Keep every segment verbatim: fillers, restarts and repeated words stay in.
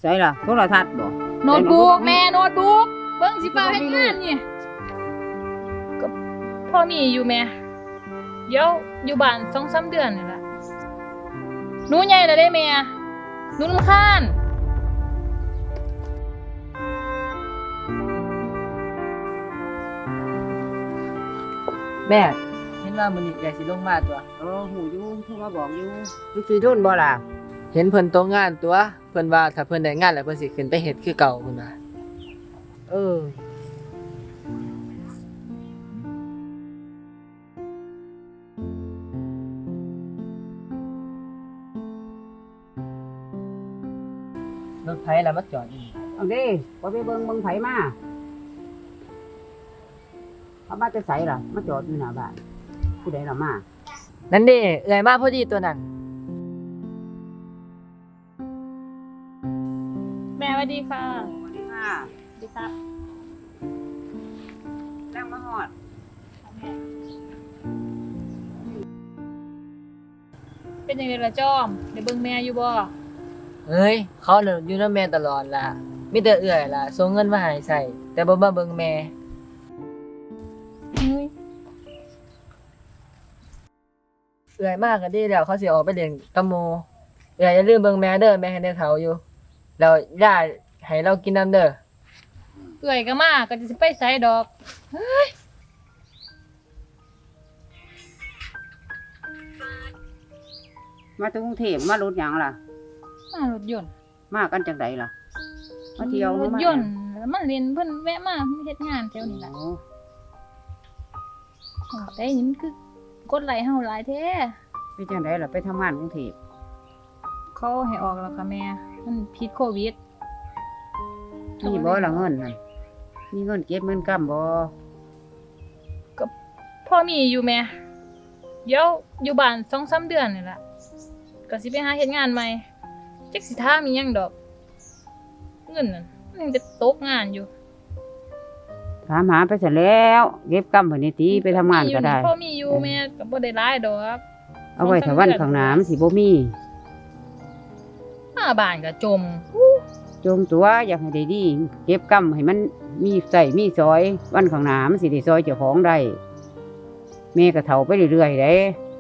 ใส่ล่ะโทรทัศน์บ่โน้ตบุ๊กแม่โน้ตบุ๊กเบิ่งสิฟ้าเฮ็ดงานนี่ก็พ่อมีอยู่แม่เดี๋ยวอยู่บ้าน สองสาม เดือนนี่ล่ะหนูใหญ่แล้วเด้แม่หนูรำคาญแม่เห็นว่ามื้อนี้ใหญ่สิลงมาตัวเออหูอยู่โทรมาบอกอยู่มันสิโดนบ่ล่ะเห็นเพิ่นตกงานตัวเพิ่นว่าถ้าเพิ่นได้งานแล้วเพิ่นสิขึ้นไปเฮ็ดคือเก่าพุ่นน่ะเออรถไผล่ะมาจอดอยู่เอาเด้บ่ไปเบิ่งเบิ่งไผมาเอามาจะใส่ล่ะมาจอดอยู่หน้าบ้านผู้ใดล่ะมานั่นเด้เอื้อยมาพอดีตัวนั้นแม่สวัสดีค่ะสวัสดีค่ะสวัสดีครับแรงมาฮอดเป็นจังได๋ล่ะจอมได้เบิ่งแม่อยู่บ่เอ้ยเขาน่ะอยู่นำแม่ตลอดล่ะมีแต่เอื้อยล่ะส่งเงินมาให้ใช้แต่บ่มาเบิ่งแม่เฮ้ยเอื้อยมาก็ดีแล้วเขาสิออกไปเล่นกับหมู่เอื้อยอย่าลืมเบิ่งแม่เด้อแม่ให้ได้เฒ่าอยู่แล้วย่าให้เรากินน้ำเด้อเอื้อยก็มาก็สิไปไสดอกเฮ้ยมาจากกรุงเทพมารถหยังล่ะมารถยนต์มากันจังไดล่ะมาเที่ยวรถยนต์แล้วมันเรียนเพิ่นแวะมาเฮ็ดงานแถวนี้ล่ะแต่นี่มันคือกดไหลเฮาหลายแท้ไปจังไดล่ะไปทำงานกรุงเทพเขาให้ออกแล้วค่ะแม่มันผิดโควิดมีบ่ล่ะเงินนั่นมีเงินเก็บเงินกำบ่ก็พ่อมีอยู่แม่เดี๋ยวอยู่บ้าน สองสาม เดือนนี่ล่ะก็สิไปหาเฮ็ดงานใหม่จักสิถามอีหยังดอกเงินนั่นมันยังจะตกงานอยู่ถามหาไปเสร็จแล้วเก็บกำเพิ่นนี่ติไปทำงานก็ได้พ่อมีอยู่แม่ก็บ่ได้หลายดอกเอาไว้ถ้าวันข้างหน้ามันสิบ่มีหน้าบ้านก็จมจงตัวอยากให้ได้ดีเก็บกำให้มันมีใส่มีซอยวันข้างหน้ามันสิได้ซอยเจ้าของได้แม่ก็เฒ่าไปเรื่อยๆเด้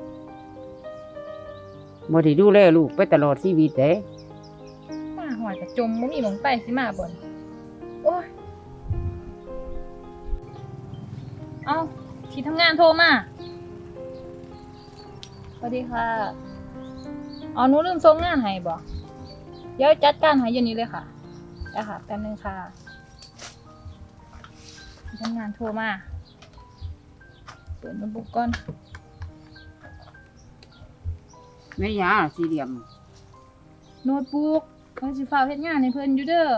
บ่ได้ดูแลลูกไปตลอดชีวิตเด้มาหอดก็จมบ่มีหม้องไปสิมาบ่นโอ้ยเอ้าที่ทำงานโทรมาสวัสดีค่ะอ๋อหนูลืมส่งงานให้บ่เดี๋ยวจัดการให้อยู่นี้เลยค่ะได้ค่ะแป๊บนึงค่ะที่ทำงานโทรมาเปิดโน้ตบุ๊กก่อนแม่ยาสี่เหลี่ยมโน้ตบุ๊กเพิ่นสิฟ้าวเฮ็ดงานให้เพิ่นอยู่เด้อ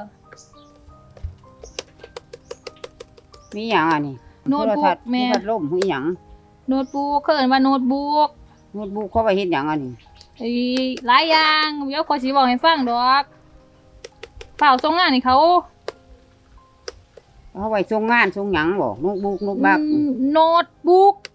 มีหยังอ่ะนี่โน้ตบุ๊กแม่พัดลมมีหยังโน้ตบุ๊กเขาเอิ้นว่าโน้ตบุ๊กโน้ตบุ๊กเขาไว้เฮ็ดหยังอ่ะนี่เอ้ยหลายอย่างเดี๋ยวขอยสิบอกให้ฟังดอกฟ้าวส่งงานให้เขาเอาไว้ส่งงานส่งหยังบ่โน้ตบุ๊กโน้ตบักโน้ตบุ๊ก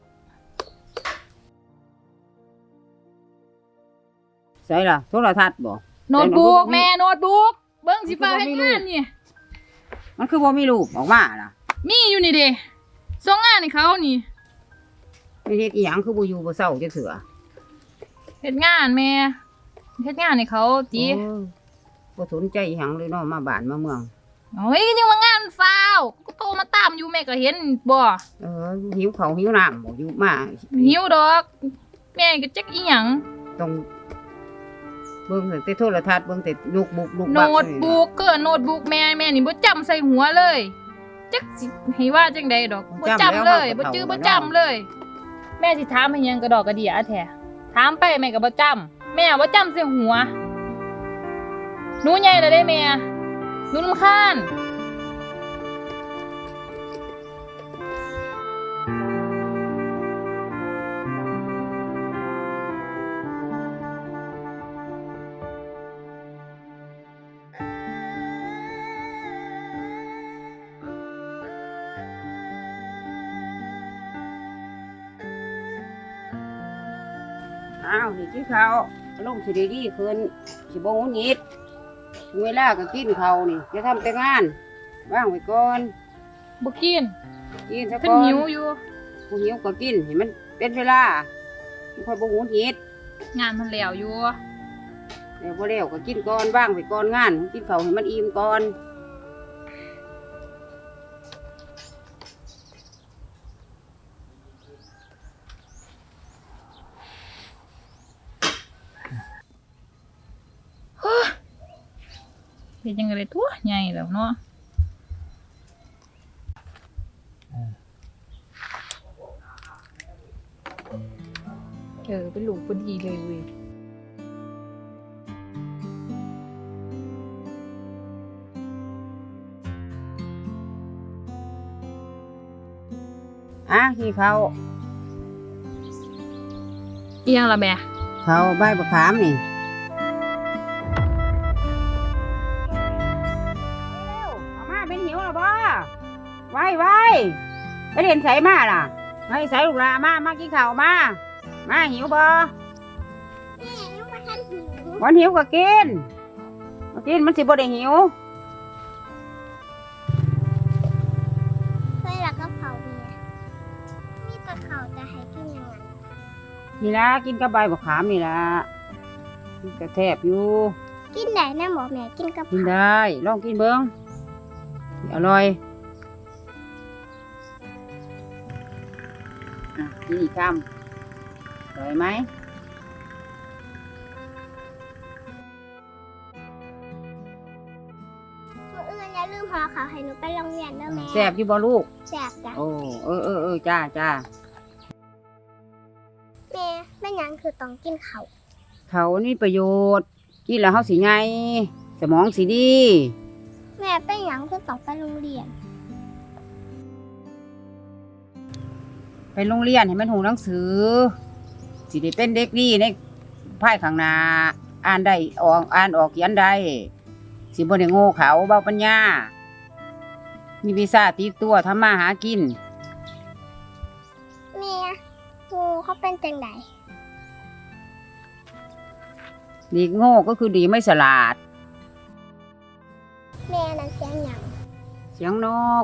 ใส่ล่ะโทรทัศน์บ่โน้ตบุ๊กแม่โน้ตบุ๊กเบิ่งสิฟ้าวเฮ็ดงานนี่มันคือบ่มีรูปออกมาล่ะมีอยู่นี่เด้ส่งงานให้เขานี่ไปเฮ็ดอีหยังคือบ่อยู่บ่เซาจักเทื่อเฮ็ดงานแม่เฮ็ดงานให้เขาติบ่สนใจอีหยังเลยเนาะมาบ้านมาเมืองโอ้ยยังว่างานฟ้าวก็โทรมาตามอยู่แม่ก็เห็นบ่เออหิวข้าวหิวน้ำบ่อยู่มาหิวดอกแม่ก็จักอีหยังต้องเบิ่งแต่โทรทัศน์เบิ่งแต่โน้ตบุ๊กโน้ตบักโน้ตบุ๊กก็โน้ตบุ๊กแม่แม่นี่บ่จำใส่หัวเลยจักสิให้ว่าจังได๋ดอกบ่จำเลยบ่จื้อบ่จำเลยแม่สิถามให้หยังกระดอกกระเดี่ยแท้ถามไปแม่ก็บ่จำแม่บ่จำใส่หัวหนูใหญ่แล้วเด้แม่หนูรำคาญอ้าวนี่กินข้าวลงสิได้ดีขึ้นสิบ่งุนงิดเวลาก็กินเขาวนี่จะทำแต่งานว่างไว้ก่อนบ่กินกินซะเพิ่ก่นอนหิวอยู่บ่หิวก็กินให้มันเป็นเวลาไม่ค่อยบ่หุนหิดงานมันแล้วอยู่เดี๋ยวบ่แล้วก็กินก่อนว่างไว้ก่อนงานกินข้าวให้มันอิ่มก่อนเฮ็ดจังได๋ตัวใหญ่แล้วเนาะเออเป็นลูกพอดีเลยเว้ยอ่ะที่เขาวอีหยังล่ะแม่เขาวใบบักขามนี่เอามาเป็นหิวแล้วบ่ไว้ไว้ไปเรียนไสมาล่ะไว้ไสลูกหลามามากินข้าวมามาหิวบ่แม่ยังมาทันหิววันหิวก็กินมากินมันสิบ่ได้หิวเคยหลักกระเพราเมียมีแต่เขาจะให้กินยังไงนี่ละกินกับใบบักขามนี่ละกินกระแทบอยู่กินได้นะหมอแม่กินกระเพกินราได้ลองกินเบิ้งอร่อยอ่ะกินอีกคำอร่อยไหมมื้ออื่นอย่าลืมห่อเขาวให้หนูไปโรงเรียนเด้อแม่แซ่บอยู่บ่ลูกแซ่บจ้ะโอ้เออเออเออจ้าจ้าแม่แม่หยังคือต้องกินเขาวเขานี่ประโยชน์ กินแล้วเฮาสิไงสมองสิดีแม่เป็นหยังคือต้องไปโรงเรียนไปโรงเรียนให้มันหูหนังสือ สิได้เป็นเด็กดีในภายข้างหน้าอ่านได้ออกอ่านออกเขียนได้สิบ่ได้โง่เขาเบาปัญญา มีวีซ่าติดตัวทำมาหากินแม่ครูเขาเป็นจังไดดีโง่ก็คือดีไม่ฉลาดแม่นั้นเสียงหยังเสียงนก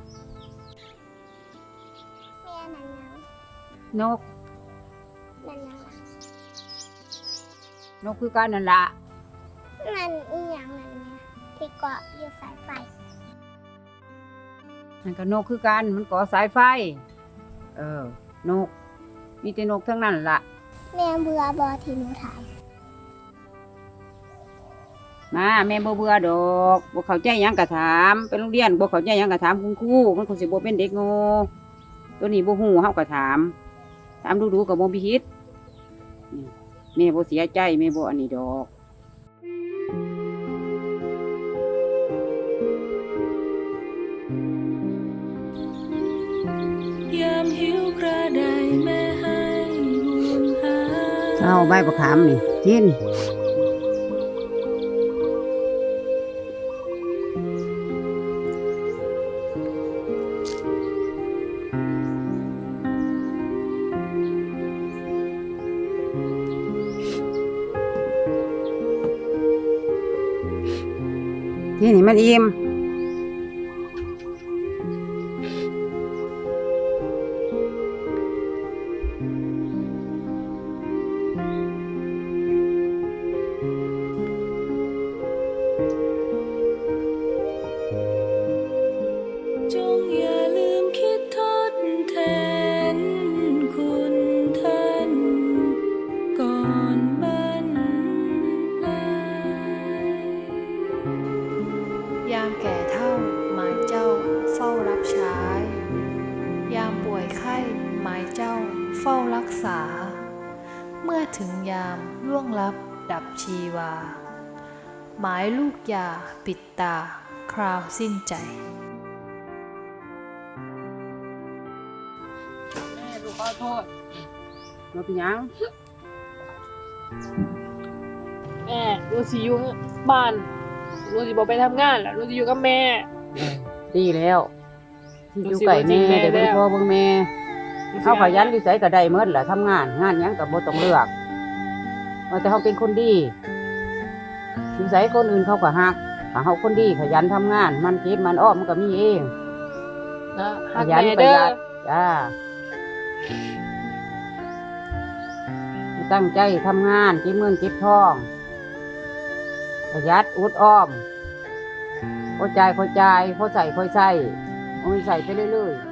แม่นั้นหยังนกนั่นหยังล่ะนกคือการนั่นละนั่นอีหยังนั่นแม่ที่เกาะอยู่สายไฟนั่นก็นกคือกันมันก่อสายไฟ เออ นก มีแต่นกทั้งนั้นละแม่เบื่อบ่ที่หนูถามมาแม่บ่เบื่อดอกบ่เข้าใจหยังก็ถามไปโรงเรียนบ่เข้าใจหยังก็ถามคุณครูมันคงสิบ่เป็นเด็กโง่ตัวนี้บ่ฮู้เฮาก็ถาม ถามดูๆก็บ่มีผิดนี่แม่บ่เสียใจแม่บ่อันนี้ดอกยามหิวกระไดแม่ให้ห่วงหาเอาใบบักขามนี่กินกินให้มันอิ่มจงอย่าลืมคิดทดแทนคุณท่านก่อนบรรปลายยามแก่เท่าหมายเจ้าเฝ้ารับใช้ ยามป่วยไข้หมายเจ้าเฝ้ารักษา เมื่อถึงยามล่วงลับดับชีวา หมายลูกยาปิดตาคราวสิ้นใจแม่ลูกขอโทษบ่เป็นหยังแม่หนูสิอยู่บ้านหนูสิบ่ไปทำงานแล้วหนูสิอยู่กับแม่ดีแล้วที่อยู่ไก่รู้สึกว่าจริงแม่แม่ได้เบิ่งแล้วพ่อเบิ่งแม่เขาขยันอยู่ไสก็ได้เมิดแหละทำงาน งานหยังก็บ่ต้องเลือกว่าแต่เขาเป็นคนดี แม่อยู่ไสคนอื่นเขาก็ฮักถ้าเฮาคนดีขยันทำงาน มันเก็บมันอ้อมมันก็มีเองเนาะขฮักยันแม่ประเด้หอยัดจ้าตั้งใจทำงานเก็บเงินเก็บทองประหยัดอุดอ้อมพอใจพอใจพอใส่พอใส่เอาไปใส่ไปเรื่อยๆ